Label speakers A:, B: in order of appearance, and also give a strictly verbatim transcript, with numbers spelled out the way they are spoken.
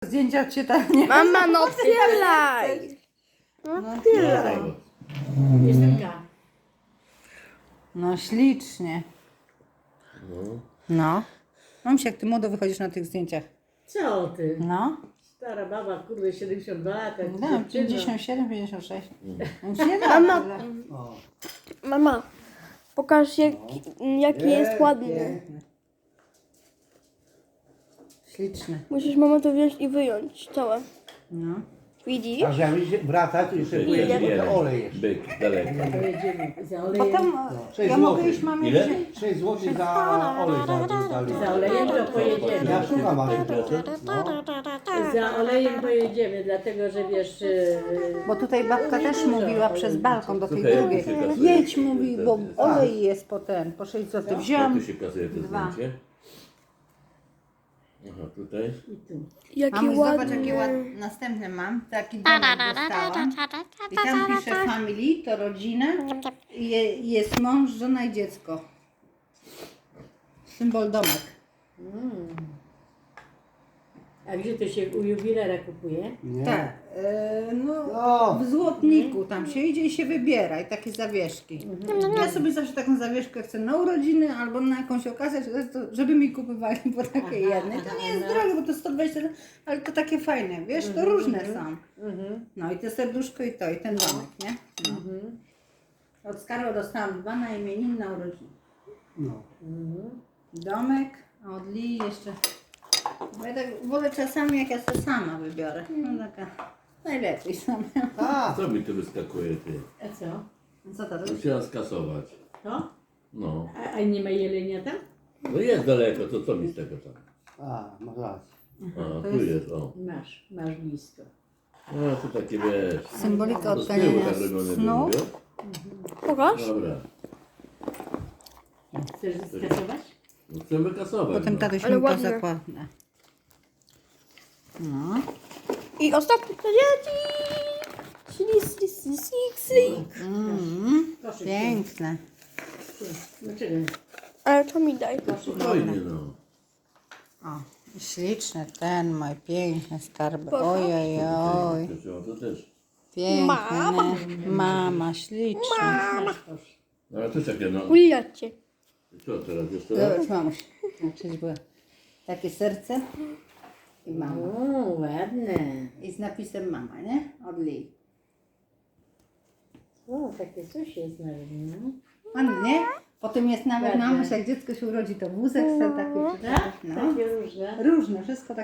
A: Zdjęcia cię tak nie...
B: Mama, no otwieraj! No otwieraj.
C: Jestemka.
A: No ślicznie. No. Mam się, jak ty młodo wychodzisz na tych zdjęciach.
C: Co ty?
A: No.
C: Stara baba, kurde, siedemdziesiąt dwa lata.
A: No, pięćdziesiąt siedem, pięćdziesiąt sześć. Więc nie da
B: Mama.
A: tyle.
B: Mama, pokaż jak, jaki jest ładny.
A: Śliczny.
B: Musisz mama to wziąć i wyjąć całe.
A: No.
B: Widzisz?
D: A żeby wracać, jeszcze pójdziemy do olej jeszcze.
E: Byk, daleko.
C: Pojedziemy za olejem.
A: Potem
D: sześć
A: ja mogę
D: złotych.
A: iść mamie
E: Ile?
A: wziąć.
D: sześć złotych za olej za,
C: Za olejem to pojedziemy.
D: Ja szukam ale no.
C: Za olejem pojedziemy, dlatego że wiesz... yy,
A: Bo tutaj babka też mówiła przez balkon do tej
E: Słuchaj,
A: drugiej.
E: jak tu się kasuje?
A: Jedź, mówi, bo olej jest po ten, po sześć złotych.
E: Jak
A: Wziąłam.
E: tu się kasuje to
A: Dwa.
E: zdjęcie? Aha, tutaj.
C: I tu.
B: Jaki
A: Mamuś, zobacz,
B: ładny.
A: jakie ładne. Następne mam. Taki domek dostałam. I tam pisze family, to rodzina. I je, jest mąż, żona i dziecko. Symbol domek.
C: A gdzie to się u jubilera kupuje?
D: Nie.
A: Tak. E, no,
D: No.
A: w złotniku tam się idzie i się wybiera. I takie zawieszki. Ja sobie zawsze taką zawieszkę chcę na urodziny albo na jakąś okazję, to- żeby mi kupowali po takiej jednej. To nie jest drogie, bo to sto dwadzieścia, ale to takie fajne, wiesz, to różne są. No i to serduszko i to, i ten domek, nie? No. Od Skarła dostałam dwa na imienin na urodziny.
D: No.
A: Domek, a od Lii jeszcze... Bo ja tak wolę czasami, jak ja sobie sama wybiorę. No taka... Najlepiej sama.
D: A,
E: Co mi tu wyskakuje, ty?
C: A co?
A: Co to jest?
E: Musiała skasować.
C: To?
E: No.
C: A, a nie ma jelenia tam?
E: No jest daleko, to co mi z tego tam?
D: a, masz rację.
E: A, tu jest, o.
C: Masz, masz blisko.
E: No to takie wiesz.
A: Symbolika
E: To z tyłu
A: odganiania
E: tak robione
A: snu.
E: było, wiesz?
B: Pokaż.
E: Dobra.
C: Chcesz skasować?
E: No chcę wykasować.
A: Potem
E: no.
A: tatuś
B: Ale
A: mi
B: ładne.
A: zakładne. No.
B: I ostatnie to dzieci. Sli, sli, sli, sli, sli.
A: Mm,
C: Koszyk.
A: piękne.
C: Dlaczego?
B: Ale to mi daj.
E: Spokojnie, no.
A: O, śliczny ten mój piękny skarb.
B: Pokaż.
A: Oj, oj, oj.
E: To, to też.
A: Piękny.
B: Mama.
A: Mama, śliczny.
C: Masz kosz.
E: No ale to takie, no.
B: Ulijacie.
E: Co teraz jest to?
A: Zobacz, mamuś. Znaczy, było takie serce i mama.
C: O, ładne.
A: I z napisem mama, nie? Od Lii.
C: O, takie coś jest nawet, no.
A: Ładnie. Potem jest nawet
C: Ładne.
A: mamuś, jak dziecko się urodzi, to wózek sobie taki.
C: Tak?
A: No.
C: Takie różne.
A: Różne, wszystko tak.